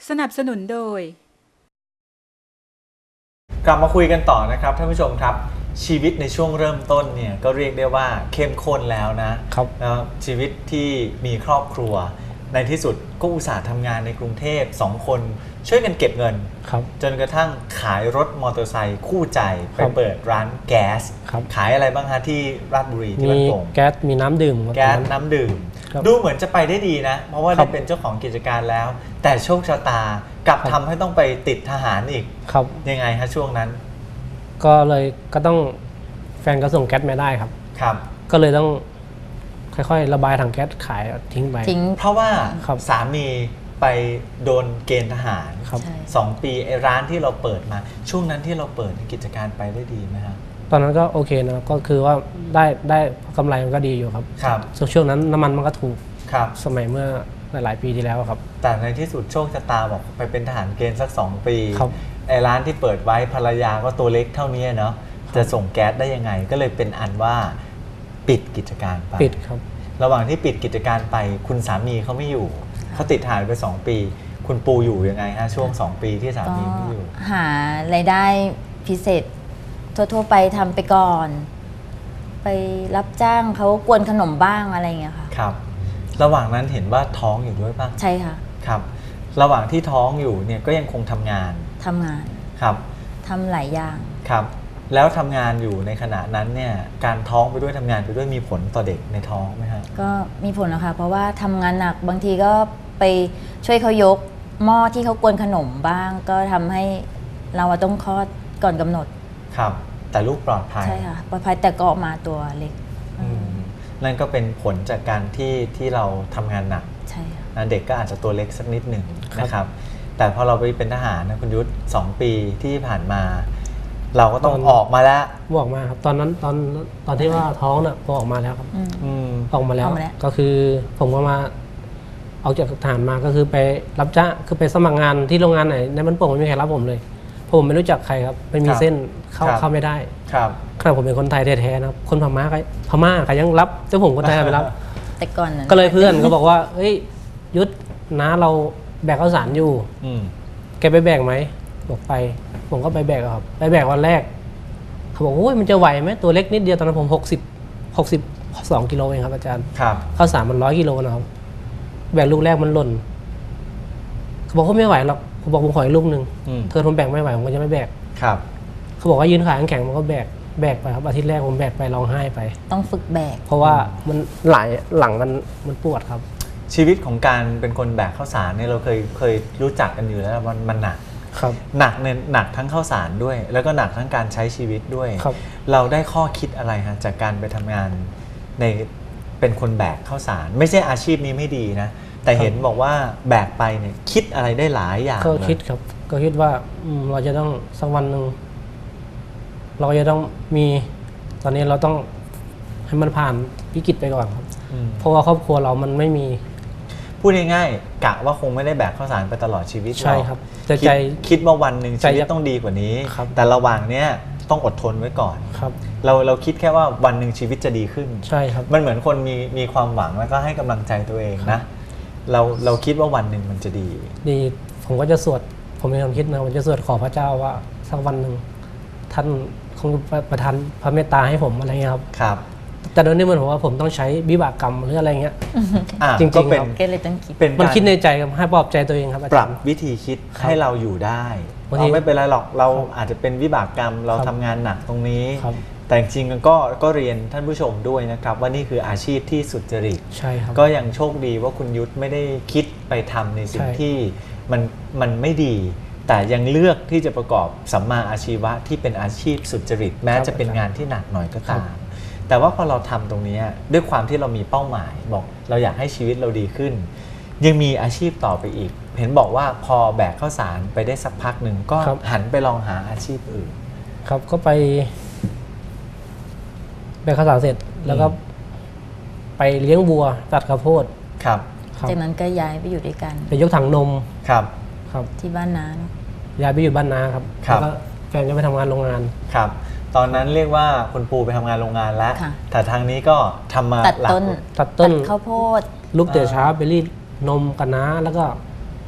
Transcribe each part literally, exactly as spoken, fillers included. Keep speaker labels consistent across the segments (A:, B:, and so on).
A: สนับสนุนโดย
B: กลับมาคุยกันต่อนะครับท่านผู้ชมครับชีวิตในช่วงเริ่มต้นเนี่ยก็เรียกได้ว่าเข้มข้นแล้วนะครับแล้วชีวิตที่มีครอบครัวในที่สุดก็อุตส่าห์ทำงานในกรุงเทพสองคนช่วยกันเก็บเงินจนกระทั่งขายรถมอเตอร์ไซค์คู่ใจไปเปิดร้านแก๊สขายอะไรบ้างฮะที่ราชบุรีที่บ้านโป่ง
C: แก๊สมีน้ำดื่ม
B: แก๊สน้ำดื่มดูเหมือนจะไปได้ดีนะเพราะว่าได้เป็นเจ้าของกิจการแล้วแต่โชคชะตากลับทำให้ต้องไปติดทหารอีกยังไงฮะช่วงนั้น
C: ก็เลยก็ต้องแฟนก็ส่งแก๊สมาได้ครับ
B: ครับ
C: ก็เลยต้องค่อยๆระบายถังแก๊สขายทิ้งไป
B: ทิ้งเพราะว่าสามีไปโดนเกณฑ์ทหารสองปีไอ้ร้านที่เราเปิดมาช่วงนั้นที่เราเปิดกิจการไปได้ดีไหมครับ
C: ตอนนั้นก็โอเคนะก็คือว่าได้ได้กำไรมันก็ดีอยู่ครับ
B: ครับ
C: ช่วงนั้นน้ำมันมันก็ถูก
B: ครับ
C: สมัยเมื่อหลายๆปีที่แล้วครับ
B: แต่ในที่สุดโชคชะตาบอกไปเป็นทหารเกณฑ์สักสองปีไอ้ร้านที่เปิดไว้ภรรยาก็ตัวเล็กเท่านี้เนาะจะส่งแก๊สได้ยังไงก็เลยเป็นอันว่าปิดกิจการไป
C: ปิดครับ
B: ระหว่างที่ปิดกิจการไปคุณสามีเขาไม่อยู่เขาติดทหารไปสองปีคุณปูอยู่ยังไงฮะช่วงสองปีที่สามีไม่อยู่
D: หารายได้พิเศษทั่วๆไปทำไปก่อนไปรับจ้างเขากวนขนมบ้างอะไรอย่างเงี้ยค่ะ
B: ครับระหว่างนั้นเห็นว่าท้องอยู่ด้วยป่ะ
D: ใช่ค่ะ
B: ครับระหว่างที่ท้องอยู่เนี่ยก็ยังคงทำงาน
D: ทำงาน
B: ครับ
D: ทำหลายอย่าง
B: ครับแล้วทำงานอยู่ในขณะนั้นเนี่ยการท้องไปด้วยทำงานไปด้วยมีผลต่อเด็กในท้องไหมฮะ
D: ก็มีผลนะคะเพราะว่าทำงานหนักบางทีก็ไปช่วยเขายกหม้อที่เขากวนขนมบ้างก็ทำให้เราต้องคลอดก่อนกำหนด
B: ครับแต่ลูกปลอดภัย
D: ใช่ค่ะปลอดภัยแต่ก็ออกมาตัวเล็ก
B: นั่นก็เป็นผลจากการที่ที่เราทำงานหนัก
D: ใช่ค่ะ
B: เด็กก็อาจจะตัวเล็กสักนิดหนึ่งนะครับแต่พอเราไปเป็นทหารนะคุณยุทธสองปีที่ผ่านมาเราก็ต้องออกมาแล้ว
C: ออกมาครับตอนนั้นตอนตอนที่ว่าท้องน่ะก็ออกมาแล้วครับออกมาแล้วก็คือผมก็มาออกจากทหารมาก็คือไปรับจ้างคือไปสมัครงานที่โรงงานไหนในบ้านโป่งไม่มีใครรับผมเลยผมไม่รู้จักใครครับไม่มีเส้นเข้าเข้าไม่ได้
B: ครับ
C: ขณะผมเป็นคนไทยแท้ๆนะครับคนพม่าใครพม่าใครยังรับเจ้าผมคนไทยไปรับ
D: แต่ก่อนนั้น
C: ก็เลยเพื่อนก็บอกว่าเฮ้ยยุทธน้าเราแบกข้าวสารอยู่แกไปแบกไหมบอกไปผมก็ไปแบกครับไปแบกวันแรกเขาบอกโอ้ยมันจะไหวไหมตัวเล็กนิดเดียวตอนนั้นผมหกสิบหกสิบสองกิโลเองครับอาจารย์
B: ครับ
C: ข้าวสารมันร้อยกิโลนะครับแบกลูกแรกมันหล่นเขาบอกเขาไม่ไหวหรอกผมบอกผมขออีกลูกหนึ่งเธอทนแบกไม่ไหวผมก็จะไม่แบก
B: ครับ
C: เขาบอกว่ายืนขาแข็งมันก็แบกแบกไปครับอาทิตย์แรกผมแบกไปร้องไห้ไป
D: ต้องฝึกแบก
C: เพราะว่ามันหลายหลังมันมันปวดครับ
B: ชีวิตของการเป็นคนแบกข้าวสารเนี่ยเราเคยเคยรู้จักกันอยู่แล้วมันมันหนักหนักเนี่ยหนักทั้งข้าวสารด้วยแล้วก็หนักทั้งการใช้ชีวิตด้วยเราได้ข้อคิดอะไรฮะจากการไปทำงานในเป็นคนแบกข้าวสารไม่ใช่อาชีพนี้ไม่ดีนะแต่เห็นบอกว่าแบกไปเนี่ยคิดอะไรได้หลายอย่าง
C: ก็คิดครับก็คิดว่าเราจะต้องสักวันหนึ่งเราจะต้องมีตอนนี้เราต้องให้มันผ่านวิกฤตไปก่อนครับเพราะว่าครอบครัวเรามันไม่มี
B: พูดง่ายๆกะว่าคงไม่ได้แบกข้าวสารไปตลอดชีวิต
C: ใช่ครับแต่ใจ
B: คิดว่าวันหนึ่งชีวิตต้องดีกว่านี้แต่ระหว่างเนี้ยต้องอดทนไว้ก่อน
C: ครับ
B: เราเราคิดแค่ว่าวันหนึ่งชีวิตจะดีขึ้น
C: ใช่ครับ
B: มันเหมือนคนมีมีความหวังแล้วก็ให้กำลังใจตัวเองนะเราเราคิดว่าวันหนึ่งมันจะดี
C: ดีผมก็จะสวดผมมีความคิดนะผมจะสวดขอพระเจ้าว่าสักวันหนึ่งท่านคงประทานพระเมตตาให้ผมอะไรเงี้ยครับ
B: ครับ
C: แต่โดยนี้มันผมว่าผมต้องใช้วิบากกรรมหรืออะไรเงี้ยจริงๆ
B: ก็เป็น
C: มันคิดในใจครับให้ปลอบใจตัวเองครับ
B: ปรับวิธีคิดให้เราอยู่ได้เราไม่เป็นไรหรอกเราอาจจะเป็นวิบากกรรมเราทำงานหนักตรงนี้แต่จริงๆก็ก็เรียนท่านผู้ชมด้วยนะครับว่านี่คืออาชีพที่สุจริต
C: ใช่ครับ
B: ก็ยังโชคดีว่าคุณยุทธไม่ได้คิดไปทำในสิ่งที่มันมันไม่ดีแต่ยังเลือกที่จะประกอบสัมมาอาชีวะที่เป็นอาชีพสุจริตแม้จะเป็นงานที่หนักหน่อยก็ตามแต่ว่าพอเราทำตรงนี้ด้วยความที่เรามีเป้าหมายบอกเราอยากให้ชีวิตเราดีขึ้นยังมีอาชีพต่อไปอีกเห็นบอกว่าพอแบกข้าวสารไปได้สักพักหนึ่งก็หันไปลองหาอาชีพอื่น
C: ครับก็ไปแบกข้าวสารเสร็จแล้วก็ไปเลี้ยงวัวตัดข้าวโพด
B: ครับ
D: จากนั้นก็ย้ายไปอยู่ด้วยกัน
C: ไปยกถังนม
B: ครับ
C: ครับ
D: ที่บ้านน้า
C: ย้ายไปอยู่บ้านน้าครับแล้วก็แฟนก็ไปทำงานโรงงาน
B: ครับตอนนั้นเรียกว่าคุณปูไปทำงานโรงงานแล้วแต่ทางนี้ก็ทำมา
D: ตัดต้น
C: ตัดต้น
D: ข้าวโพด
C: ลูกเต๋อช้าไปรีดนมกันน้าแล้วก็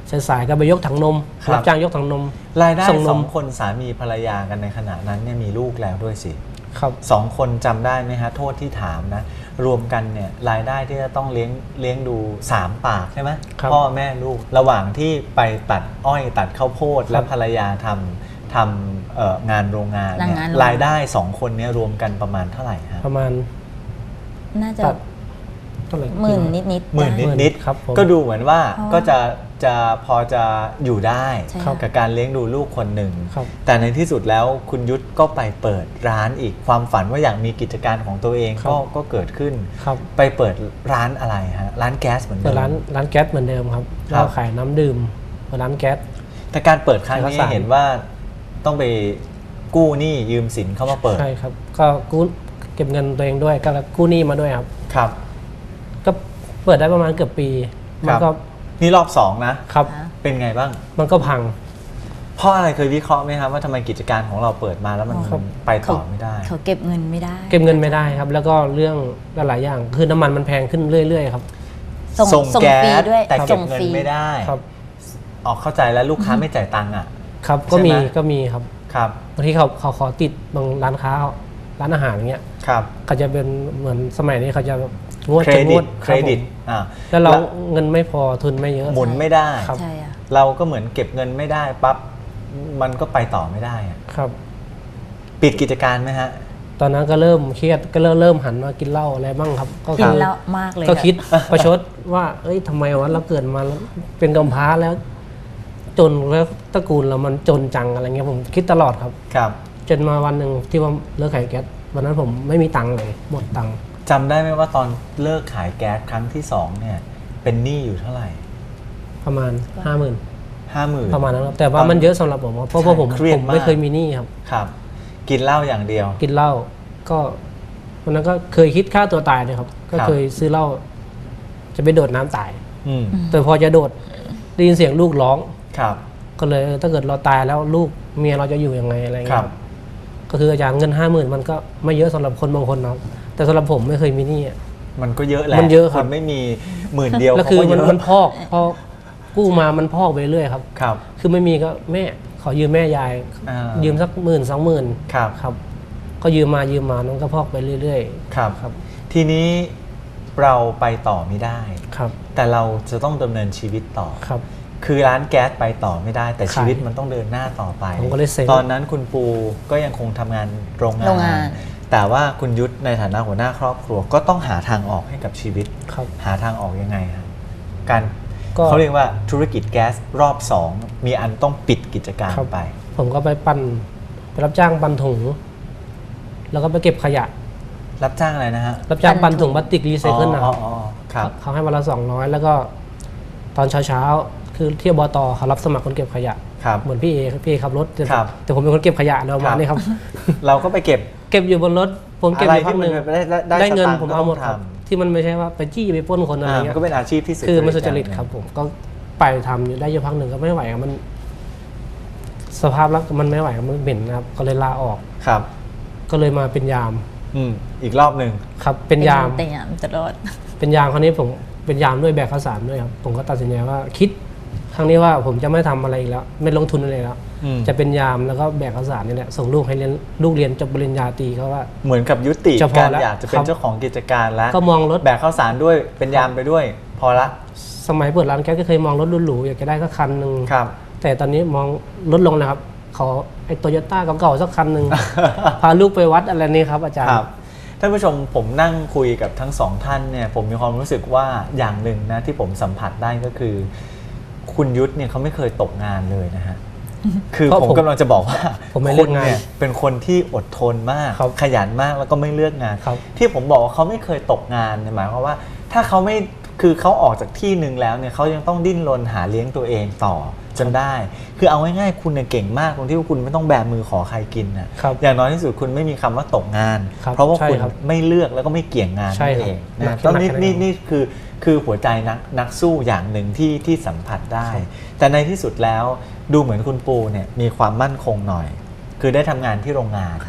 C: สายๆก็ไปยกถังนม
B: ครับ
C: รับจ้างยกถังนม
B: รายได้
C: ส่งนม
B: สองคนสามีภรรยากันในขณะนั้นเนี่ยมีลูกแล้วด้วยสิ
C: ครับ
B: สองคนจำได้ไหมฮะโทษที่ถามนะรวมกันเนี่ยรายได้ที่จะต้องเลี้ยงเลี้ยงดูสามปากใช่ไหม
C: ครับ
B: พ่อแม่ลูกระหว่างที่ไปตัดอ้อยตัดข้าวโพดและภรรยาทำทำเอ่องานโรงงานเนี่ย
D: งานโรงงาน
B: รายได้สองคนเนี้รวมกันประมาณเท่าไหร่ฮะ
C: ประมาณ
D: น่าจะ
C: ตัดเท่าไหร่
D: หมื่นนิดนิดๆ
B: หมื่นนิดนิด
C: ครับผม
B: ก็ดูเหมือนว่า
D: เพราะ
B: ก็จะจะพอจะอยู่ได้
D: ใช่ค่ะ
B: กับการเลี้ยงดูลูกคนหนึ่ง
C: ครับ
B: แต่ในที่สุดแล้วคุณยุทธก็ไปเปิดร้านอีกความฝันว่าอยากมีกิจการของตัวเอง
C: ครับ
B: ก็ก็เกิดขึ้น
C: ครับ
B: ไปเปิดร้านอะไรฮะร้านแก๊สเหมือนเดิ
C: เปิด
B: ม
C: ร้านร้านแก๊สเหมือนเดิมครับ
B: ครับ
C: เราขายน้ำดื่มเปิดร้านแก๊ส
B: แต่การเปิดครั้งนี้
C: เอกสาร
B: เห็นว่าต้องไปกู้หนี้ยืมสินเข้ามาเปิด
C: ใช่ครับ ก็กู้เก็บเงินตัวเองด้วยก็กู้หนี้มาด้วยครับ
B: ครับ
C: ก็เปิดได้ประมาณเกือบปี
B: ค
C: มั
B: รับ
C: ก็
B: นี่รอบสองนะครับ เป็นไงบ้าง
C: มันก็พัง
B: เพราะอะไรเคยวิเคราะห์ไหมครับว่าทำไมกิจการของเราเปิดมาแล้วมัน
C: ครับ
B: ไปต่อไม่ได้
D: เขาเก็บเงินไม่ได้
C: เก็บเงินไม่ได้ครับ แล้วก็เรื่องหลายๆอย่างคือน้ำมันมันแพงขึ้นเรื่อยๆครับ
D: ส่ง
B: ส่ง
D: ส่ง
B: แก๊
D: ฟรี
B: ส
D: ด้วย
B: แต่เก็
D: ส่
B: บ
D: ง
B: เงิน
D: ฟรี
B: ไม่ได้
C: ครับ
B: ออกเข้าใจแล้วลูกค้าไม่จ่ายตังค์อ่ะ
C: ครับก็มี
B: ใช่ไหม
C: ก็มีครับ
B: ครับ
C: บางทีเขาเขาขอติดบางร้านค้าร้านอาหารอย่างเงี้ย
B: ครับ
C: เขาจะเป็นเหมือนสมัยนี้เขาจะงวด
B: เคร
C: จะง
B: ดิ
C: ว
B: ต
C: ด
B: เครดิต
C: บผม
B: อ่า
C: แล้วเราเงินไม่พอทุนไม่เยอะ
B: หมุนไม่ได้
C: ครับ
D: ใช่อะ
B: เราก็เหมือนเก็บเงินไม่ได้ปั๊บมันก็ไปต่อไม่ได้อะ
C: ครับ
B: ปิดกิจการไหมฮะ
C: ตอนนั้นก็เริ่มเครียดก็เริ่มเริ่มหันมากินเหล้าอะไรบ้างครับ ก็
D: กิ
C: คื
D: น
C: อ
D: แล้วมากเลย
C: ก็
D: อะ
C: คิด ประชดว่าเอ้ยทำไมวะเราเกิดมาแล้วเป็นกำพร้าแล้ว จนแล้วตระกูลเรามันจนจังอะไรเงี้ยผมคิดตลอดครับ
B: ครับ
C: จนมาวันหนึ่งที่ว่าเลิกขายแก๊สวันนั้นผมไม่มีตังค์เลยหมดตังค์
B: จำได้ไหมว่าตอนเลิกขายแก๊สครั้งที่สองเนี่ย เป็นหนี้อยู่เท่าไหร่
C: ประมาณห้าหมื่น
B: ห้าหมื่น
C: ประมาณนั้นครับแต่ว่ามันเยอะสำหรับผมครับเพราะว่าผม
B: เครียด
C: ผม
B: มาก
C: ไม่เคยมีหนี้ครับ
B: ครับ กินเหล้าอย่างเดียว
C: กินเหล้าก็วันนั้นก็เคยคิดฆ่าตัวตายเลยครับ ก็
B: ครับ
C: เคยซื้อเหล้าจะไปโดดน้ำตาย
B: อืม
C: แต่พอจะโดดได้ยินเสียงลูกร้อง
B: ครับ
C: ก็เลยเออถ้าเกิดเราตายแล้วลูกเมียเราจะอยู่ยังไงอะไร
B: ค
C: เงี้
B: รั
C: ย
B: บ
C: ก็คืออาจารย์เงินห้าหมื่นมันก็ไม่เยอะสำหรับคนบางคนนะครับแต่สำหรับผมไม่เคยมีหนี้อะ
B: มันก็เยอะแหละ
C: มันเยอะครับ
B: นไม่มีหมื่นเดียว
C: แล้ว
B: เขา
C: คือ
B: ก็เย
C: มัน
B: อะ
C: มันพอกพอกู้มามันพอกไปเรื่อยครับ
B: ครับ
C: คือไม่มีก็แม่ขอยืมแม่ยาย
B: อ่า
C: ยืมสักหมื่นสองหมื่น
B: ครับ
C: ครับ ก็ยืมมายืมมามันก็พอกไปเรื่อย
B: ครับ
C: ครับ
B: ทีนี้เราไปต่อไม่ได้
C: ๆ ครับ
B: แต่เราจะต้องดำเนินชีวิตต่อ
C: ครับ
B: คือร้านแก๊สไปต่อไม่ได้ แต่
C: ขาย
B: ชีวิตมันต้องเดินหน้าต่อไป
C: ผมก็เลยเซ็ง
B: ตอนนั้นคุณปูก็ยังคงทำงานโรงงา
D: โรงงาน น
B: แต่ว่าคุณยุทธในฐานะหัวหน้าครอบครัวก็ต้องหาทางออกให้กับชีวิต
C: ครับ
B: หาทางออกยังไงครับการ
C: ก็
B: เขาเรียกว่าธุรกิจแก๊สรอบสองมีอันต้องปิดกิจการ
C: ครับ
B: ไป
C: ผมก็ไปปั่นไปรับจ้างปั่นถุง แล้วก็ไปเก็บขยะ
B: รับจ้างอะไรนะฮะ
C: รับจ้าง
D: ปั่
C: ปั่น
D: นถุ
C: ถุง
D: ง
C: พลาสติกรีไซเคิลนะครับ
B: อ๋ออ๋ออ๋อครับ
C: เขาให้วันละสองร้อยแล้วก็ตอนเช้าๆ คือที่อบตเขารับสมัครคนเก็บขยะ
B: ครับ
C: เหมือนพี่เอพี่เอขับรถแต่
B: ครับ
C: แต่ผมเป็นคนเก็บขยะเรามานี่ครับ
B: เราก็ไปเก็บ
C: เก็บอยู่บนรถ ผมเก็บ
B: อะไร
C: อยู่พั
B: ที่
C: กห
B: มัน
C: นึ่ง
B: ได้ได้
C: ได้เงิน
B: สตางค์
C: ผมเอาหมด
B: ก็
C: ค
B: ต้
C: รั
B: อบ งท
C: ที่มันไม่ใช่ว่าไปจี้ไปปล้นคน
B: ำ
C: อะไร
B: อ่า
C: เงี้
B: มัน
C: ย
B: ก็เป็นอาชีพที่สุจริต
C: คือมันสุจริต
B: อย่างหนึ่ง
C: ครับผมก็ไปทำอยู่ได้อยู่พักหนึ่งก็ไม่ไหวครับมัน สภาพแล้วมันไม่ไหวครับมันเหม็นนะครับ ก็เลยลาออก
B: ครับ
C: ก็เลยมาเป็นยาม
B: อืมอีกรอบหนึ่ง
C: ครับ เป็นยาม
D: เป็นยามตลอด
C: เป็นยามคราวนี้ผมเป็นยามด้วยแบกข้าวสารด้วยครับผมก็ตัดสินใจว่าคิดครั้งนี้ว่าผมจะไม่ทำอะไรอีกแล้วไม่ลงทุนอะไรแล้ว
B: อืม
C: จะเป็นยามแล้วก็แบกข้าวสารนี่แหละส่งลูกให้เรียนลูกเรียนจบปริญญาตรีเขาว่า
B: เหมือนกับยุติ
C: จะพอ
B: การ
C: แล้ว
B: อยากจะเป็
C: ครั
B: น
C: บ
B: เจ้าของกิจการแล้ว
C: ก็มองรถ
B: แบกข้าวสารด้วยเป็นยามไปด้วย พอละ
C: สมัยเปิดร้านแก๊สก็เคยมองรถหรูๆอยากจะได้สักคันหนึ่ง
B: ครับ
C: แต่ตอนนี้มองลดลงนะครับขอไอ้โตโยต้าเก่าๆสักคัน หนึ่ง พาลูกไปวัดอะไรนี่ครับอาจาร
B: ค
C: ย์
B: รับท่านผู้ชมผมนั่งคุยกับทั้งสองท่านเนี่ยผมมีความรู้สึกว่าอย่างหนึ่งนะที่ผมสัมผัสได้ก็คือ คุณยุทธเนี่ยเขาไม่เคยตกงานเลยนะฮะ คือ
C: เพราะ
B: ผม
C: ผม
B: กำลังจะบอกว่า
C: ผมไม่เลื
B: คุ
C: อก
B: ณ
C: งาน
B: เนี่ยเป็นคนที่อดทนมาก
C: ครับ
B: ขยันมากแล้วก็ไม่เลือกงาน
C: ครับ
B: ที่ผมบอกว่าเขาไม่เคยตกงานเนี่ยหมายความว่า ถ้าเขาไม่คือเขาออกจากที่หนึ่งแล้วเนี่ยเขายังต้องดิ้นรนหาเลี้ยงตัวเองต่อจนได้ คือเอาง่ายๆคุณเนี่ยเก่งมากตรงที่ว่าคุณไม่ต้องแบมือขอใครกินนะครับ อย่างน้อยที่สุดคุณไม่มีคำว่าตกงาน
C: ครับ
B: เพราะว่า
C: ใช่
B: คุณ
C: ครับ
B: ไม่เลือกแล้วก็ไม่เกี่ยงงาน
C: ใช่
B: นั่น
C: ครับ
B: เอง
C: หนั
B: นะ
C: ก
B: ต้องนี่
C: หนักขนาดนั้
B: นี่
C: น
B: นี่คือคือหัวใจนักนักสู้อย่างหนึ่งที่ที่สัมผัสได้ แต่ในที่สุดแล้วดูเหมือนคุณปูเนี่ยมีความมั่นคงหน่อย คือได้ทำงานที่โรงงาน
D: ค่ะ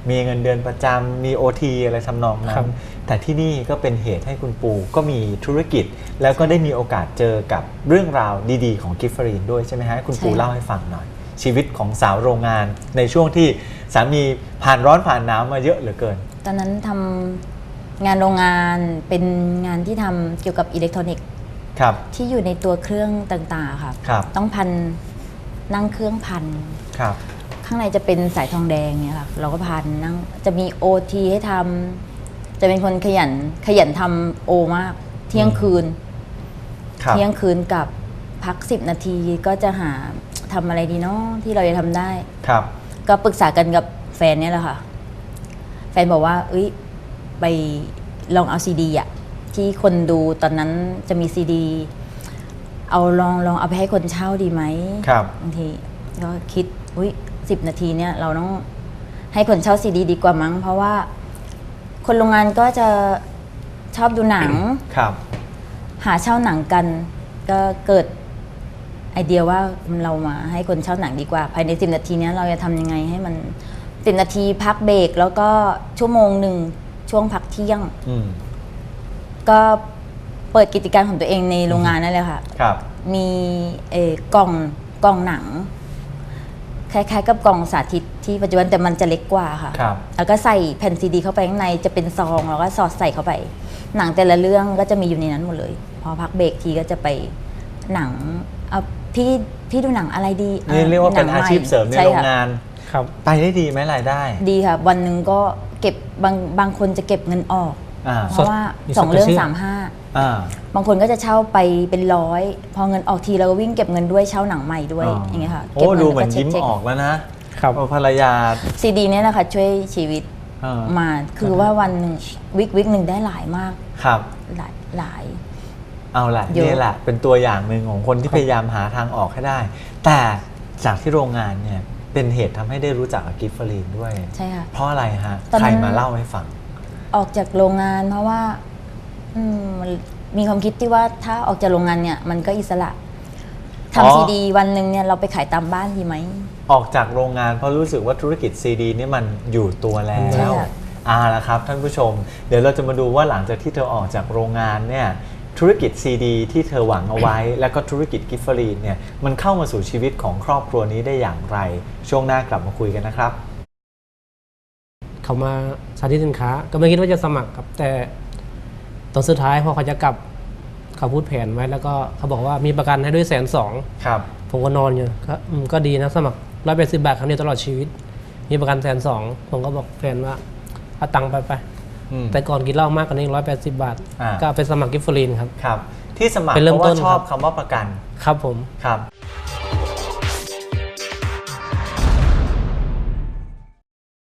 B: มีเงินเดือนประจำมี โอ ที อะไรทำนองนั้
C: ครั
B: น
C: บ
B: แต่ที่นี่ก็เป็นเหตุให้คุณปูก็มีธุรกิจ แล้วก็ได้มีโอกาสเจอกับเรื่องราวดีๆของกิฟฟรีนด้วยใช่ไหมฮะคุณปู
D: ใช่
B: เล่าให้ฟังหน่อย ชีวิตของสาวโรงงานในช่วงที่สามีผ่านร้อนผ่านหนาวมาเยอะเหลือเกิน
D: ตอนนั้นทำงานโรงงานเป็นงานที่ทำเกี่ยวกับอิเล็กทรอนิกส์
B: ครับ
D: ที่อยู่ในตัวเครื่องต่างๆค่ะ
B: ครับ
D: ต้องพันนั่งเครื่องพัน
B: ครับ
D: ข้างในจะเป็นสายทองแดงเนี่ยค่ะเราก็พันนั่งจะมี โอ ที ให้ทำจะเป็นคนขยันขยันทำโอมาก เที่ยงคืน
B: ครับ
D: เที่ยงคืนกับพักสิบนาทีก็จะหาทำอะไรดีเนาะที่เราจะทำได้
B: ครับ
D: ก็ปรึกษากันกับแฟนเนี่ยแหละค่ะ แฟนบอกว่าเอ้ยไปลองเอาซีดีอะที่คนดูตอนนั้นจะมีซีดีเอาลองลองเอาไปให้คนเช่าดีไหม
B: ครับ
D: บางทีก็คิดอุ้ยสิบนาทีเนี่ยเราต้องให้คนเช่าซีดีดีกว่ามั้ง เพราะว่าคนโรงงานก็จะชอบดูหนัง
B: ครับ
D: หาเช่าหนังกัน ก็เกิดไอเดียว่าเรามาให้คนเช่าหนังดีกว่า ภายในสิบนาทีเนี้ยเราจะทำยังไงให้มันสิบนาทีพักเบรกแล้วก็ชั่วโมงหนึ่งช่วงพักเที่ยง
B: อืม
D: ก็เปิดกิจการของตัวเองในโรงงานนั่นเลยค่ะ
B: ครับ
D: มีเอ่อกล่องกล่องหนัง คล้ายๆกับกล่องสาธิตที่ปัจจุบันแต่มันจะเล็กกว่าค่ะ
B: ครับ
D: แล้วก็ใส่แผ่นซีดีเข้าไปข้างในจะเป็นซองแล้วก็สอดใส่เข้าไป หนังแต่ละเรื่องก็จะมีอยู่ในนั้นหมดเลย พอพักเบรกทีก็จะไปหนังเอาพี่พี่ดูหนังอะไรดี
B: นี่เรียกว่าเป็น
D: หง
B: อา
D: ให
B: ชีพเสริมใน
D: ช่
B: โรง
D: ค่ะ
B: งาน
C: ครับ
B: ไปได้ดีไหมรายได้
D: ดีค่ะ วันหนึ่งก็เก็บบางบางคนจะเก็บเงินออก
B: อ่า
D: เพราะว่า
C: มี
D: สองเรื่อง
C: สดกระชื่อ
D: สามห้า
B: อ่า
D: บางคนก็จะเช่าไปเป็นร้อยพอเงินออกทีเราก็วิ่งเก็บเงินด้วยเช่าหนังใหม่ด้วยอย่างเงี้ยค่ะ
B: โอ้
D: เก็บเงิ
B: ดู
D: น
B: เหมือน
D: แล้วก็
B: ยิ้ม
D: เช็ค
B: ออกแล้วนะครับ ว่าภรรยา
D: ซีดีเนี่ยแหละค่ะช่วยชีวิต
B: เออ
D: มาคือว่าวันหนึ่งวิกวิกหนึ่งได้หลายมาก
B: ครับ
D: หลายหลาย
B: เอาละ
D: เยอะ
B: นี่แหละเป็นตัวอย่างหนึ่งของคนที่พยายามหาทางออกให้ได้ แต่จากที่โรงงานเนี่ยเป็นเหตุทำให้ได้รู้จักกับกิฟฟรีนด้วย
D: ใช่ค่ะ
B: เพราะอะไรฮะ
D: ตอน
B: ใค
D: นั้
B: ร
D: น
B: มาเล่าให้ฟัง
D: ออกจากโรงงานเพราะว่าอืมมันมีความคิดที่ว่าถ้าออกจากโรงงานเนี่ยมันก็อิสระ
B: อ๋อ
D: ทำซีดีวันหนึ่งเนี่ยเราไปขายตามบ้านดีไหม
B: ออกจากโรงงานเพราะรู้สึกว่าธุรกิจซีดีนี่มันอยู่ตัวแล้
D: ใช่
B: ว
D: ค่ะ
B: อ่าละครับท่านผู้ชม เดี๋ยวเราจะมาดูว่าหลังจากที่เธอออกจากโรงงานเนี่ยธุรกิจซีดีที่เธอหวังเอาไว้ แล้วก็ธุรกิจกิฟฟรีนเนี่ยมันเข้ามาสู่ชีวิตของครอบครัวนี้ได้อย่างไร ช่วงหน้ากลับมาคุยกันนะครับ
C: เขามาสาธิตสินค้า ก็ไม่คิดว่าจะสมัครครับ แต่ตอนสุดท้ายพอเขาจะกลับเขาพูดแผนไว้แล้วก็เขาบอกว่ามีประกันให้ด้วยแสนสอง
B: ครับ
C: ผมก็นอนอยู่ก็อืมก็ดีนะสมัครร้อยแปดสิบบาทครั้งเดียวตลอดชีวิต มีประกันแสนสองผมก็บอกแฟนว่าเอาตังค์ไปไป
B: อืม
C: แต่ก่อนกินเหล้ามากกว่านี้ร้อยแปดสิบบาท
B: อ่า
C: ก็เอาไปสมัครกิฟฟรีนครับ
B: ครับ ที่สมัคร
C: เป็น
B: เพ
C: เริ่ม
B: ราะว่า
C: ต้น
B: ชอบ
C: ครับ
B: คำว่าประกัน
C: ครับผม
B: ครับ